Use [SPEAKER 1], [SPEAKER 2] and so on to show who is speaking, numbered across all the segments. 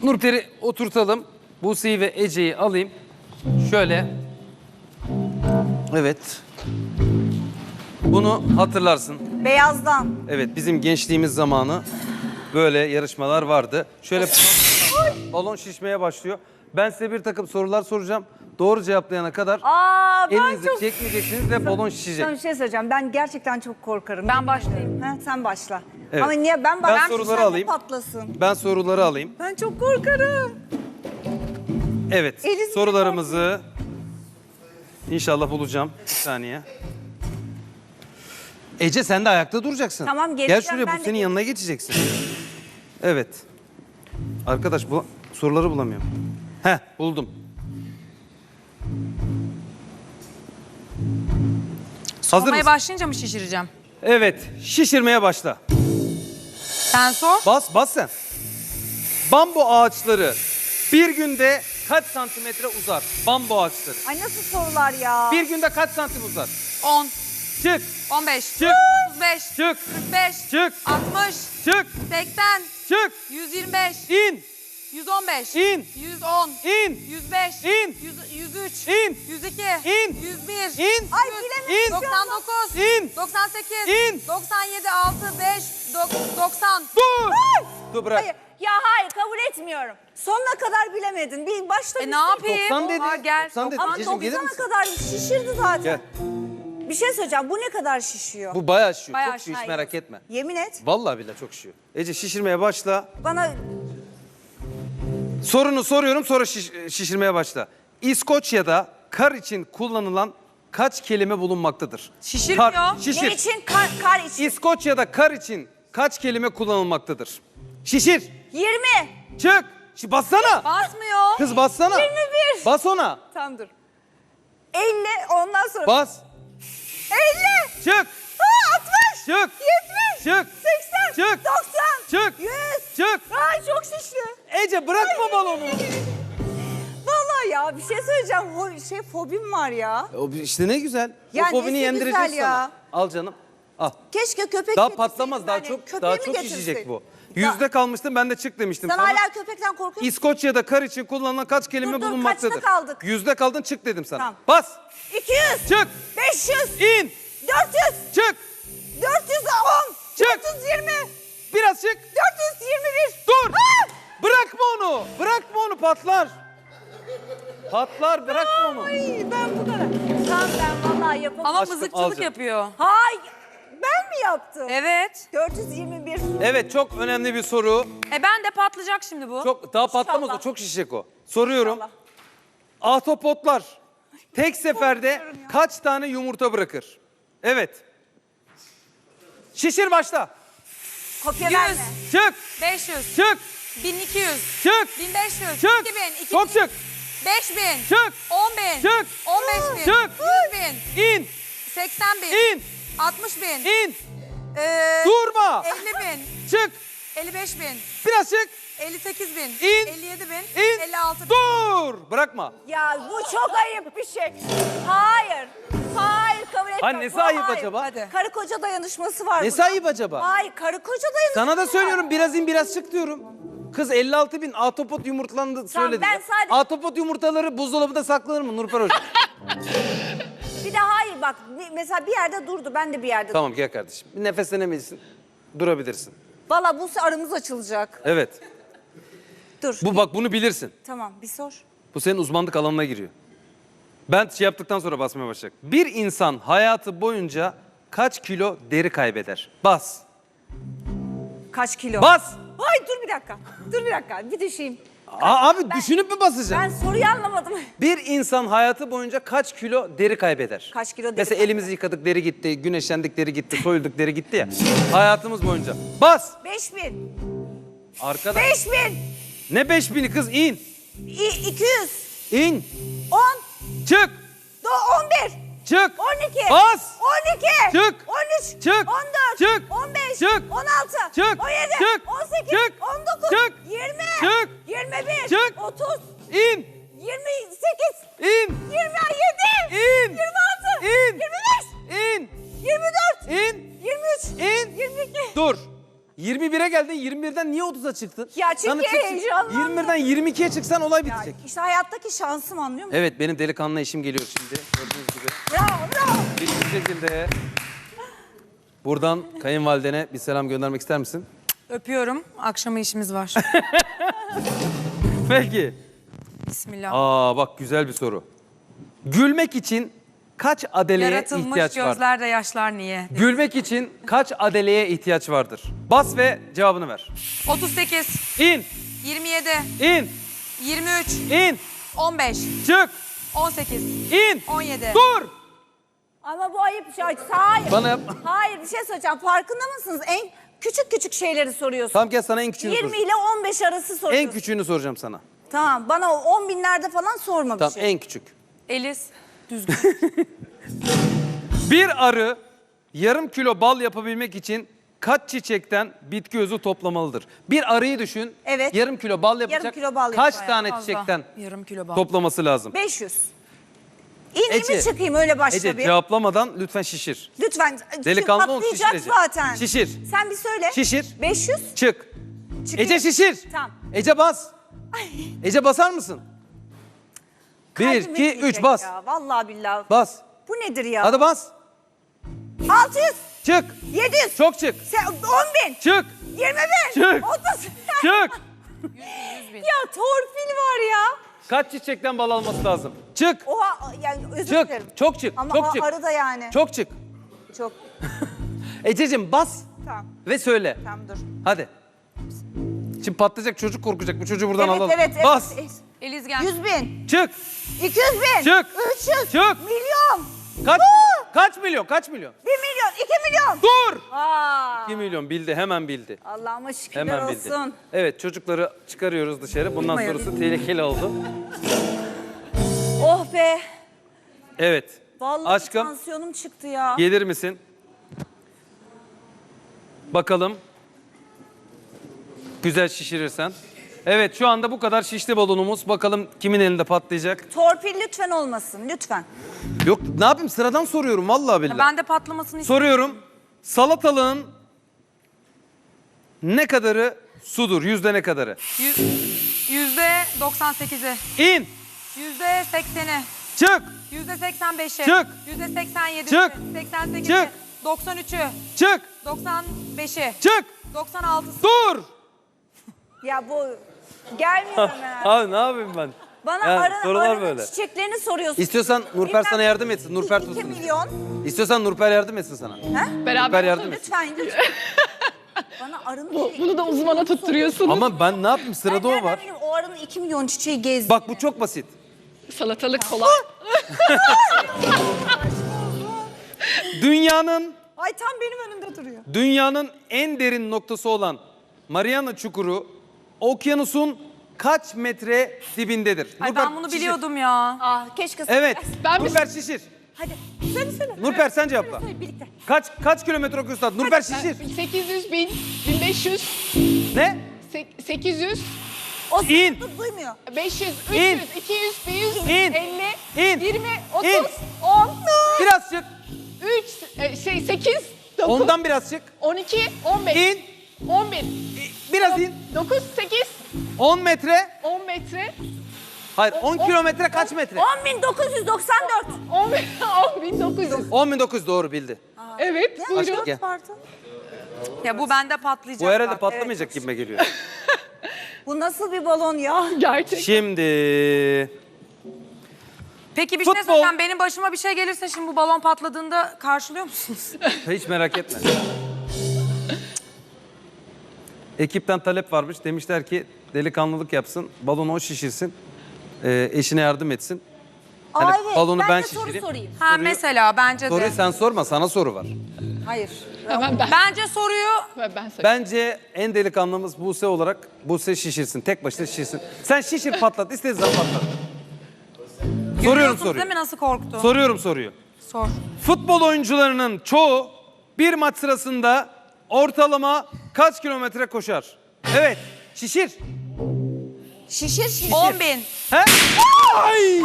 [SPEAKER 1] Nurper'i oturtalım. Buse'yi ve Ece'yi alayım. Şöyle. Evet. Bunu hatırlarsın.
[SPEAKER 2] Beyazdan.
[SPEAKER 1] Evet, bizim gençliğimiz zamanı böyle yarışmalar vardı. Şöyle balon şişmeye başlıyor. Ben size bir takım sorular soracağım. Doğru cevaplayana kadar
[SPEAKER 2] Ben
[SPEAKER 1] elinizi
[SPEAKER 2] çok...
[SPEAKER 1] çekmeyeceksiniz ve balon şişecek.
[SPEAKER 2] Sana bir şey söyleyeceğim. Ben gerçekten çok korkarım.
[SPEAKER 3] Ben başlayayım.
[SPEAKER 2] Ha, sen başla.
[SPEAKER 1] Evet.
[SPEAKER 2] Ama niye ben
[SPEAKER 1] Ben soruları alayım.
[SPEAKER 2] Patlasın.
[SPEAKER 1] Ben soruları alayım.
[SPEAKER 2] Ben çok korkarım.
[SPEAKER 1] Evet,
[SPEAKER 2] Elinizi
[SPEAKER 1] sorularımızı inşallah bulacağım. Bir saniye. Ece sen de ayakta duracaksın.
[SPEAKER 2] Tamam,
[SPEAKER 1] Gel
[SPEAKER 2] geleceğim,
[SPEAKER 1] şuraya,
[SPEAKER 2] ben
[SPEAKER 1] bu
[SPEAKER 2] de
[SPEAKER 1] senin yanına geçeceksin. Evet. Arkadaş bu soruları bulamıyorum. Heh, buldum. Hazır
[SPEAKER 3] Olmaya
[SPEAKER 1] mısın?
[SPEAKER 3] başlayınca mı şişireceğim?
[SPEAKER 1] Evet, şişirmeye başla.
[SPEAKER 3] Sen sor.
[SPEAKER 1] Bas sen. Bambu ağaçları bir günde kaç santimetre uzar? Bambu ağaçları.
[SPEAKER 2] Ay nasıl sorular ya?
[SPEAKER 1] Bir günde kaç santim uzar?
[SPEAKER 3] 10,
[SPEAKER 1] Çık,
[SPEAKER 3] 15,
[SPEAKER 1] çık,
[SPEAKER 3] 35,
[SPEAKER 1] çık,
[SPEAKER 3] 45,
[SPEAKER 1] çık,
[SPEAKER 3] 60,
[SPEAKER 1] çık,
[SPEAKER 3] 80,
[SPEAKER 1] çık.
[SPEAKER 3] 125,
[SPEAKER 1] İn,
[SPEAKER 3] 115,
[SPEAKER 1] İn.
[SPEAKER 3] 110,
[SPEAKER 1] in,
[SPEAKER 3] 105,
[SPEAKER 1] İn.
[SPEAKER 3] 103,
[SPEAKER 1] İn.
[SPEAKER 3] 102,
[SPEAKER 1] İn.
[SPEAKER 3] 101,
[SPEAKER 1] İn.
[SPEAKER 2] Ay
[SPEAKER 3] 100,
[SPEAKER 2] bilemedim.
[SPEAKER 3] 99,
[SPEAKER 1] İn.
[SPEAKER 3] 98,
[SPEAKER 1] İn.
[SPEAKER 3] 97, 6, 5, 90.
[SPEAKER 1] dur. Dur bırak.
[SPEAKER 2] Hayır. Ya hayır kabul etmiyorum. Sonuna kadar bilemedin. Bir başta
[SPEAKER 3] Ne yapayım?
[SPEAKER 1] 90 dedi.
[SPEAKER 3] Aa, gel.
[SPEAKER 1] 90 dedi.
[SPEAKER 2] Ama
[SPEAKER 1] Ececiğim, gelir
[SPEAKER 2] 90'a
[SPEAKER 1] misin?
[SPEAKER 2] kadar şişirdi zaten.
[SPEAKER 1] Gel.
[SPEAKER 2] Bir şey söyleyeceğim. Bu ne kadar şişiyor?
[SPEAKER 1] Bu bayağı şişiyor.
[SPEAKER 3] Bayağı
[SPEAKER 1] Çok şişiyor, hiç
[SPEAKER 2] şişiyor.
[SPEAKER 1] merak etme.
[SPEAKER 2] Yemin et.
[SPEAKER 1] Vallahi billahi çok şişiyor. Ece şişirmeye başla.
[SPEAKER 2] Bana
[SPEAKER 1] Sorunu soruyorum, sonra şişirmeye başla. İskoçya'da kar için kullanılan kaç kelime bulunmaktadır?
[SPEAKER 3] Şişirmiyor.
[SPEAKER 1] Şişir.
[SPEAKER 2] ne için? Kar için.
[SPEAKER 1] İskoçya'da kar için kaç kelime kullanılmaktadır? Şişir.
[SPEAKER 2] 20.
[SPEAKER 1] Çık. Bassana.
[SPEAKER 3] Basmıyor.
[SPEAKER 1] Kız bassana.
[SPEAKER 2] 21.
[SPEAKER 1] Bas ona.
[SPEAKER 2] Tamam dur. 50 ondan sonra.
[SPEAKER 1] Bas.
[SPEAKER 2] 50.
[SPEAKER 1] Çık.
[SPEAKER 2] 60.
[SPEAKER 1] Çık.
[SPEAKER 2] 70.
[SPEAKER 1] Çık.
[SPEAKER 2] 80.
[SPEAKER 1] Çık.
[SPEAKER 2] 90.
[SPEAKER 1] Çık.
[SPEAKER 2] 100.
[SPEAKER 1] Çık.
[SPEAKER 2] Ay çok şişti.
[SPEAKER 1] Ece bırakma balonu.
[SPEAKER 2] Vallahi ya bir şey söyleyeceğim. Fobim var ya.
[SPEAKER 1] O işte ne güzel.
[SPEAKER 2] Ya
[SPEAKER 1] o fobini
[SPEAKER 2] nesi
[SPEAKER 1] yendireceğiz
[SPEAKER 2] güzel ya?
[SPEAKER 1] sana. Al canım. Al.
[SPEAKER 2] Keşke köpek
[SPEAKER 1] Daha
[SPEAKER 2] getirseydim
[SPEAKER 1] patlamaz, daha
[SPEAKER 2] ben de.
[SPEAKER 1] çok
[SPEAKER 2] Köpeğimi
[SPEAKER 1] şişecek
[SPEAKER 2] getirseydin.
[SPEAKER 1] bu. Yüzde kalmıştım, ben de çık demiştim
[SPEAKER 2] Sen
[SPEAKER 1] sana.
[SPEAKER 2] hala köpekten korkuyor musun?
[SPEAKER 1] İskoçya'da kar için kullanılan kaç kelime
[SPEAKER 2] Dur,
[SPEAKER 1] bulunmaktadır?
[SPEAKER 2] kaçta kaldık?
[SPEAKER 1] Yüzde kaldın, çık dedim sana.
[SPEAKER 2] Tamam.
[SPEAKER 1] Bas.
[SPEAKER 2] 200.
[SPEAKER 1] Çık.
[SPEAKER 2] 500.
[SPEAKER 1] İn.
[SPEAKER 2] 400.
[SPEAKER 1] Çık.
[SPEAKER 2] 410.
[SPEAKER 1] Çık.
[SPEAKER 2] 420.
[SPEAKER 1] Biraz çık.
[SPEAKER 2] 421.
[SPEAKER 1] Dur.
[SPEAKER 2] Ah!
[SPEAKER 1] Bırakma onu. Bırakma onu, patlar. Patlar, bırakma onu.
[SPEAKER 2] Ay ben bu kadar. Tamam ben vallahi yapamam.
[SPEAKER 3] Ama
[SPEAKER 1] Aşkım, al
[SPEAKER 3] mızıkçılık
[SPEAKER 1] canım.
[SPEAKER 3] yapıyor.
[SPEAKER 2] Hayır. Ben mi yaptım?
[SPEAKER 3] Evet.
[SPEAKER 2] 421.
[SPEAKER 1] Evet, çok önemli bir soru.
[SPEAKER 3] Ben de patlayacak şimdi bu.
[SPEAKER 1] Çok daha patlamaz o,
[SPEAKER 2] İnşallah.
[SPEAKER 1] çok şişecek o. Soruyorum.
[SPEAKER 2] İnşallah.
[SPEAKER 1] Ahtapotlar tek seferde kaç tane yumurta bırakır? Evet. Şişir başla.
[SPEAKER 2] Kopya
[SPEAKER 3] 100.
[SPEAKER 2] verme.
[SPEAKER 1] Çık.
[SPEAKER 3] 500,
[SPEAKER 1] Çık.
[SPEAKER 3] 1200,
[SPEAKER 1] Çık.
[SPEAKER 3] 1500,
[SPEAKER 1] Çık.
[SPEAKER 3] 2000, 2000,
[SPEAKER 1] Çok çık.
[SPEAKER 3] 5000,
[SPEAKER 1] Çık.
[SPEAKER 3] 10.000,
[SPEAKER 1] Çık.
[SPEAKER 3] 15.000,
[SPEAKER 1] Çık.
[SPEAKER 3] 100.000,
[SPEAKER 1] İn.
[SPEAKER 3] 80.000,
[SPEAKER 1] İn.
[SPEAKER 3] 60.000,
[SPEAKER 1] İn. Durma.
[SPEAKER 3] 50.000,
[SPEAKER 1] Çık.
[SPEAKER 3] 55.000,
[SPEAKER 1] Biraz çık.
[SPEAKER 3] 58.000,
[SPEAKER 1] İn.
[SPEAKER 3] 57.000,
[SPEAKER 1] İn.
[SPEAKER 3] 56.000.
[SPEAKER 1] Dur. Bırakma.
[SPEAKER 2] Ya bu çok ayıp bir şey. Hayır. Hayır kabul etmiyorum.
[SPEAKER 1] Ha, nesi
[SPEAKER 2] Bu
[SPEAKER 1] ayıp
[SPEAKER 2] hayır.
[SPEAKER 1] acaba?
[SPEAKER 3] Hadi.
[SPEAKER 2] Karı koca dayanışması var.
[SPEAKER 1] Nesi
[SPEAKER 2] burada.
[SPEAKER 1] ayıp acaba?
[SPEAKER 2] Hayır karı koca dayanışması
[SPEAKER 1] Sana da
[SPEAKER 2] var.
[SPEAKER 1] söylüyorum, biraz in biraz çık diyorum. Kız 56.000 ahtapot yumurtlandı söyledi.
[SPEAKER 2] ben sadece-
[SPEAKER 1] Ahtapot yumurtaları buzdolabında saklanır mı Nurper Hoca?
[SPEAKER 2] Bir de hayır bak mesela bir yerde durdu ben de bir yerde
[SPEAKER 1] Tamam gel kardeşim. Bir nefeslenebilirsin. Durabilirsin.
[SPEAKER 2] Valla bu aramız açılacak.
[SPEAKER 1] Evet.
[SPEAKER 2] Dur.
[SPEAKER 1] Bak bunu bilirsin.
[SPEAKER 2] Tamam bir sor.
[SPEAKER 1] Bu senin uzmanlık alanına giriyor. Ben şey yaptıktan sonra basmaya başlayacak. Bir insan hayatı boyunca kaç kilo deri kaybeder? Bas.
[SPEAKER 2] Kaç kilo?
[SPEAKER 1] Bas.
[SPEAKER 2] Ay dur bir dakika. Dur bir dakika bir düşeyim.
[SPEAKER 1] Abi düşünüp mü basacaksın?
[SPEAKER 2] Ben soruyu anlamadım.
[SPEAKER 1] Bir insan hayatı boyunca kaç kilo deri kaybeder?
[SPEAKER 2] Kaç kilo deri
[SPEAKER 1] Mesela
[SPEAKER 2] kaybeder?
[SPEAKER 1] elimizi yıkadık deri gitti, güneşlendik deri gitti, soyulduk deri gitti ya. Hayatımız boyunca. Bas.
[SPEAKER 2] 5000.
[SPEAKER 1] Arkadaş.
[SPEAKER 2] 5000.
[SPEAKER 1] Ne 5000'i kız, in.
[SPEAKER 2] 200.
[SPEAKER 1] İn.
[SPEAKER 2] 10.
[SPEAKER 1] Çık.
[SPEAKER 2] 11.
[SPEAKER 1] Çık.
[SPEAKER 2] 12.
[SPEAKER 1] Bas.
[SPEAKER 2] 12.
[SPEAKER 1] Çık.
[SPEAKER 2] 13.
[SPEAKER 1] Çık.
[SPEAKER 2] 14.
[SPEAKER 1] Çık.
[SPEAKER 2] 15.
[SPEAKER 1] Çık.
[SPEAKER 2] 16.
[SPEAKER 1] Çık.
[SPEAKER 2] 17.
[SPEAKER 1] Çık.
[SPEAKER 2] 18.
[SPEAKER 1] Çık.
[SPEAKER 2] 19.
[SPEAKER 1] Çık.
[SPEAKER 2] 20.
[SPEAKER 1] Çık.
[SPEAKER 2] 21.
[SPEAKER 1] Çık.
[SPEAKER 2] 30.
[SPEAKER 1] İn.
[SPEAKER 2] 28.
[SPEAKER 1] İn.
[SPEAKER 2] 27.
[SPEAKER 1] İn.
[SPEAKER 2] 26.
[SPEAKER 1] İn.
[SPEAKER 2] 25.
[SPEAKER 1] İn.
[SPEAKER 2] 24.
[SPEAKER 1] İn.
[SPEAKER 2] 23.
[SPEAKER 1] İn.
[SPEAKER 2] 22.
[SPEAKER 1] Dur. 21'e geldin 21'den niye 30'a çıktın?
[SPEAKER 2] Ya çünkü
[SPEAKER 1] Sana çık-
[SPEAKER 2] heyecanlandım.
[SPEAKER 1] 21'den 22'ye çıksan olay
[SPEAKER 2] Ya
[SPEAKER 1] bitecek.
[SPEAKER 2] işte hayattaki şansım, anlıyor musun?
[SPEAKER 1] Evet, benim delikanlı eşim geliyor şimdi. Gördüğünüz gibi.
[SPEAKER 2] Bravo bravo.
[SPEAKER 1] Bir şekilde. Buradan kayınvalidene bir selam göndermek ister misin?
[SPEAKER 3] Öpüyorum. Akşama işimiz var.
[SPEAKER 1] Peki.
[SPEAKER 3] Bismillah.
[SPEAKER 1] Aa bak, güzel bir soru. Gülmek için kaç adeleye
[SPEAKER 3] Yaratılmış
[SPEAKER 1] ihtiyaç var?
[SPEAKER 3] gözlerde yaşlar niye?
[SPEAKER 1] Gülmek için kaç adeleye ihtiyaç vardır? Bas ve cevabını ver.
[SPEAKER 3] 38,
[SPEAKER 1] İn,
[SPEAKER 3] 27,
[SPEAKER 1] in,
[SPEAKER 3] 23,
[SPEAKER 1] in,
[SPEAKER 3] 15,
[SPEAKER 1] çık,
[SPEAKER 3] 18,
[SPEAKER 1] in,
[SPEAKER 3] 17.
[SPEAKER 1] dur.
[SPEAKER 2] Ama bu ayıp bir şey. Hayır.
[SPEAKER 1] Bana yap.
[SPEAKER 2] Hayır, bir şey söyleyeceğim. Farkında mısınız? En küçük küçük şeyleri soruyorsun.
[SPEAKER 1] Tamam, gel sana en küçüğünü
[SPEAKER 2] 20
[SPEAKER 1] soracağım.
[SPEAKER 2] ile 15 arası soruyorsun.
[SPEAKER 1] En küçüğünü soracağım sana.
[SPEAKER 2] Tamam, bana 10 binlerde falan sorma bir
[SPEAKER 1] Tamam,
[SPEAKER 2] şey.
[SPEAKER 1] en küçük.
[SPEAKER 3] Elis, düzgün.
[SPEAKER 1] Bir arı yarım kilo bal yapabilmek için kaç çiçekten bitki özü toplamalıdır? Bir arıyı düşün.
[SPEAKER 2] Evet.
[SPEAKER 1] Yarım kilo bal yapacak.
[SPEAKER 2] Yarım kilo bal
[SPEAKER 1] kaç
[SPEAKER 2] yapar
[SPEAKER 1] tane
[SPEAKER 3] Fazla.
[SPEAKER 1] çiçekten
[SPEAKER 3] Yarım kilo bal.
[SPEAKER 1] toplaması lazım?
[SPEAKER 2] 500. İneyim mi
[SPEAKER 1] Ece,
[SPEAKER 2] çıkayım, öyle başla
[SPEAKER 1] Ece
[SPEAKER 2] bir.
[SPEAKER 1] cevaplamadan lütfen şişir.
[SPEAKER 2] Lütfen.
[SPEAKER 1] Delikanlı ol,
[SPEAKER 2] patlayacak
[SPEAKER 1] şişir Ece.
[SPEAKER 2] zaten.
[SPEAKER 1] Şişir.
[SPEAKER 2] Sen bir söyle.
[SPEAKER 1] Şişir.
[SPEAKER 2] 500.
[SPEAKER 1] Çık.
[SPEAKER 2] Çıkayım.
[SPEAKER 1] Ece şişir.
[SPEAKER 2] Tamam.
[SPEAKER 1] Ece bas. Ece basar mısın? 1,
[SPEAKER 2] Kalbim
[SPEAKER 1] 2, 3
[SPEAKER 2] etmeyecek
[SPEAKER 1] bas.
[SPEAKER 2] Ya. Vallahi billahi.
[SPEAKER 1] Bas.
[SPEAKER 2] Bu nedir ya?
[SPEAKER 1] Hadi bas.
[SPEAKER 2] 600.
[SPEAKER 1] Çık.
[SPEAKER 2] 700.
[SPEAKER 1] Çok çık.
[SPEAKER 2] 10 bin.
[SPEAKER 1] Çık.
[SPEAKER 2] 20 bin.
[SPEAKER 1] Çık.
[SPEAKER 2] 30.
[SPEAKER 1] Çık.
[SPEAKER 2] Ya torpil var ya.
[SPEAKER 1] Kaç çiçekten bal alması lazım? Çık.
[SPEAKER 2] Oha, yani özür
[SPEAKER 1] Çık.
[SPEAKER 2] dilerim.
[SPEAKER 1] Çok çık.
[SPEAKER 2] Ama
[SPEAKER 1] Çok çık.
[SPEAKER 2] arı da yani.
[SPEAKER 1] Çok çık.
[SPEAKER 2] Çok.
[SPEAKER 1] Ececiğim bas
[SPEAKER 2] Tamam.
[SPEAKER 1] ve söyle.
[SPEAKER 2] Tamam dur.
[SPEAKER 1] Hadi. Şimdi patlayacak, çocuk korkacak. Bu çocuğu buradan
[SPEAKER 2] Evet,
[SPEAKER 1] alalım.
[SPEAKER 2] evet, evet.
[SPEAKER 1] Bas.
[SPEAKER 3] Eliz gel.
[SPEAKER 2] 100 bin.
[SPEAKER 1] Çık.
[SPEAKER 2] 200 bin.
[SPEAKER 1] Çık.
[SPEAKER 2] 300.
[SPEAKER 1] Çık.
[SPEAKER 2] Milyon.
[SPEAKER 1] Kaç?
[SPEAKER 2] Aa!
[SPEAKER 1] Kaç milyon? Kaç milyon?
[SPEAKER 2] 1 milyon. 2 milyon.
[SPEAKER 1] Dur.
[SPEAKER 2] Aa.
[SPEAKER 1] 2 milyon bildi. Hemen bildi.
[SPEAKER 2] Allah'ıma şükürler
[SPEAKER 1] Hemen bildi.
[SPEAKER 2] olsun.
[SPEAKER 1] Evet, çocukları çıkarıyoruz dışarı. Bundan
[SPEAKER 3] Uyumayalım.
[SPEAKER 1] sonrası tehlikeli oldu.
[SPEAKER 2] Oh be.
[SPEAKER 1] Evet.
[SPEAKER 2] Vallahi
[SPEAKER 1] Aşkım,
[SPEAKER 2] tansiyonum çıktı ya.
[SPEAKER 1] gelir misin? Bakalım. Güzel şişirirsen. Evet, şu anda bu kadar şişti balonumuz. Bakalım kimin elinde patlayacak.
[SPEAKER 2] Torpil lütfen olmasın. Lütfen.
[SPEAKER 1] Yok, ne yapayım, sıradan soruyorum vallahi billahi.
[SPEAKER 3] Ben de patlamasını istiyorum.
[SPEAKER 1] Soruyorum. Salatalığın ne kadarı sudur? Yüzde ne kadarı?
[SPEAKER 3] %98'i,
[SPEAKER 1] İn.
[SPEAKER 3] %80'i,
[SPEAKER 1] Çık.
[SPEAKER 3] %85'i,
[SPEAKER 1] Çık.
[SPEAKER 3] %87'si,
[SPEAKER 1] Çık.
[SPEAKER 3] 88'i,
[SPEAKER 1] Çık.
[SPEAKER 3] 93'ü,
[SPEAKER 1] Çık.
[SPEAKER 3] 95'i,
[SPEAKER 1] Çık.
[SPEAKER 3] 96'sı.
[SPEAKER 1] Dur.
[SPEAKER 2] Ya bu gelmiyor hemen.
[SPEAKER 1] Abi ne yapayım ben?
[SPEAKER 2] Bana
[SPEAKER 1] Yani sorular
[SPEAKER 2] arının
[SPEAKER 1] böyle.
[SPEAKER 2] çiçeklerini soruyorsun.
[SPEAKER 1] İstiyorsan Nurper
[SPEAKER 2] Bilmem-
[SPEAKER 1] sana yardım etsin. Nurper
[SPEAKER 2] 2
[SPEAKER 1] tutsun.
[SPEAKER 2] milyon.
[SPEAKER 1] İstiyorsan Nurper yardım etsin sana. Nurper yardım etsin.
[SPEAKER 2] Lütfen lütfen. Bana arının...
[SPEAKER 4] Bunu da uzmana tutturuyorsun.
[SPEAKER 1] Ama ben ne yapayım? Sırada o var.
[SPEAKER 2] O arının 2 milyon çiçeği gezdi.
[SPEAKER 1] Bak, bu çok basit.
[SPEAKER 4] Salatalık kolay.
[SPEAKER 1] Dünyanın
[SPEAKER 2] Ay tam benim önümde duruyor.
[SPEAKER 1] Dünyanın en derin noktası olan Mariana Çukuru okyanusun kaç metre dibindedir?
[SPEAKER 3] Ay
[SPEAKER 1] Nurper,
[SPEAKER 3] ben bunu
[SPEAKER 1] şişir.
[SPEAKER 3] biliyordum ya.
[SPEAKER 2] Ah keşke...
[SPEAKER 1] Evet.
[SPEAKER 4] Ben bir-
[SPEAKER 1] Nurper şişir.
[SPEAKER 2] Hadi söyle.
[SPEAKER 1] Nurper sen cevapla.
[SPEAKER 2] Söyle birlikte.
[SPEAKER 1] Kaç kilometre okuyorsun? Nurper şişir.
[SPEAKER 4] 800 bin, 1500,
[SPEAKER 1] Ne?
[SPEAKER 4] 800,
[SPEAKER 2] O
[SPEAKER 1] İn.
[SPEAKER 2] seni duymuyor.
[SPEAKER 4] 500, 300,
[SPEAKER 1] İn.
[SPEAKER 4] 200, 100,
[SPEAKER 1] İn.
[SPEAKER 4] 50,
[SPEAKER 1] İn.
[SPEAKER 4] 20, 30,
[SPEAKER 1] İn.
[SPEAKER 4] 10,
[SPEAKER 1] Biraz çık.
[SPEAKER 4] 8, 9,
[SPEAKER 1] Ondan biraz çık.
[SPEAKER 4] 12, 15,
[SPEAKER 1] İn.
[SPEAKER 4] 11,
[SPEAKER 1] Biraz in.
[SPEAKER 4] 9, 8,
[SPEAKER 1] 10 metre.
[SPEAKER 4] 10 metre,
[SPEAKER 1] Hayır, 10 kilometre kaç metre?
[SPEAKER 2] 10.994.
[SPEAKER 4] 10.900.
[SPEAKER 1] 10.900 doğru bildi.
[SPEAKER 4] Evet,
[SPEAKER 1] Aşkım
[SPEAKER 4] buyurun.
[SPEAKER 1] gel.
[SPEAKER 2] Pardon.
[SPEAKER 3] Ya bu bende patlayacak.
[SPEAKER 1] Bu herhalde
[SPEAKER 3] bak.
[SPEAKER 1] patlamayacak gibime geliyor.
[SPEAKER 2] Bu nasıl bir balon ya?
[SPEAKER 4] Gerçek.
[SPEAKER 1] Şimdi
[SPEAKER 3] Peki bir şey
[SPEAKER 1] Futbol.
[SPEAKER 3] söyleyeceğim. Benim başıma bir şey gelirse şimdi bu balon patladığında karşılıyor musunuz?
[SPEAKER 1] hiç merak etme. Ekipten talep varmış. Demişler ki delikanlılık yapsın, balonu o şişirsin, eşine yardım etsin. Hani
[SPEAKER 2] Aa, evet.
[SPEAKER 1] balonu ben
[SPEAKER 2] de soru
[SPEAKER 1] şişireyim.
[SPEAKER 2] sorayım.
[SPEAKER 3] Ha
[SPEAKER 1] Soruyu-
[SPEAKER 3] mesela bence
[SPEAKER 1] Soruyu
[SPEAKER 3] de.
[SPEAKER 1] sen sorma, sana soru var.
[SPEAKER 2] Hayır.
[SPEAKER 4] Hemen ben
[SPEAKER 3] Bence soruyu
[SPEAKER 4] söyleyeyim.
[SPEAKER 1] Bence en delikanlımız Buse olarak Buse şişirsin, tek başına şişirsin. Sen şişir, patlat, istediğin zaman patlat. Soruyorum
[SPEAKER 3] görüyorsunuz
[SPEAKER 1] soruyu.
[SPEAKER 3] değil mi nasıl korktu?
[SPEAKER 1] Soruyorum soruyu.
[SPEAKER 3] Sor.
[SPEAKER 1] Futbol oyuncularının çoğu bir maç sırasında ortalama kaç kilometre koşar? Evet, şişir.
[SPEAKER 2] Şişir.
[SPEAKER 3] 10 bin.
[SPEAKER 1] He? Ay!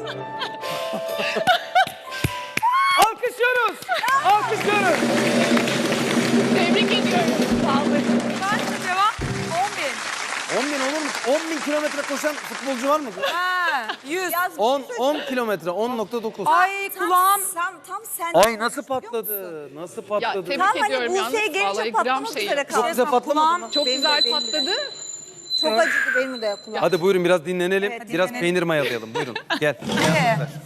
[SPEAKER 1] Alkışlıyoruz. Alkışlıyoruz.
[SPEAKER 4] Tebrik ediyorum. Sağ olun.
[SPEAKER 3] Ben de
[SPEAKER 1] kuryen olur mu? 10.000 kilometre koşan futbolcu var mı?
[SPEAKER 3] Ha, 100.
[SPEAKER 1] 10 kilometre, 10.9.
[SPEAKER 3] Ay kulağım.
[SPEAKER 2] Tam sen.
[SPEAKER 1] Ay nasıl patladı? Nasıl
[SPEAKER 4] Ya
[SPEAKER 1] patladı?
[SPEAKER 4] tebrik
[SPEAKER 2] Tam hani
[SPEAKER 4] ediyorum yalnız.
[SPEAKER 2] Buse'ye gelince
[SPEAKER 4] Vallahi
[SPEAKER 2] patlamak
[SPEAKER 4] gram şey.
[SPEAKER 2] üzere
[SPEAKER 1] Çok
[SPEAKER 2] kaldı.
[SPEAKER 1] güzel patlamadı mı?
[SPEAKER 4] Çok
[SPEAKER 2] Benim
[SPEAKER 4] güzel
[SPEAKER 2] de.
[SPEAKER 4] patladı.
[SPEAKER 2] Çok acıdı benim de kulağım.
[SPEAKER 1] Hadi buyurun biraz dinlenelim.
[SPEAKER 3] Evet,
[SPEAKER 1] Biraz
[SPEAKER 3] dinlenelim.
[SPEAKER 1] peynir mayalayalım. Buyurun. Gel. Gel.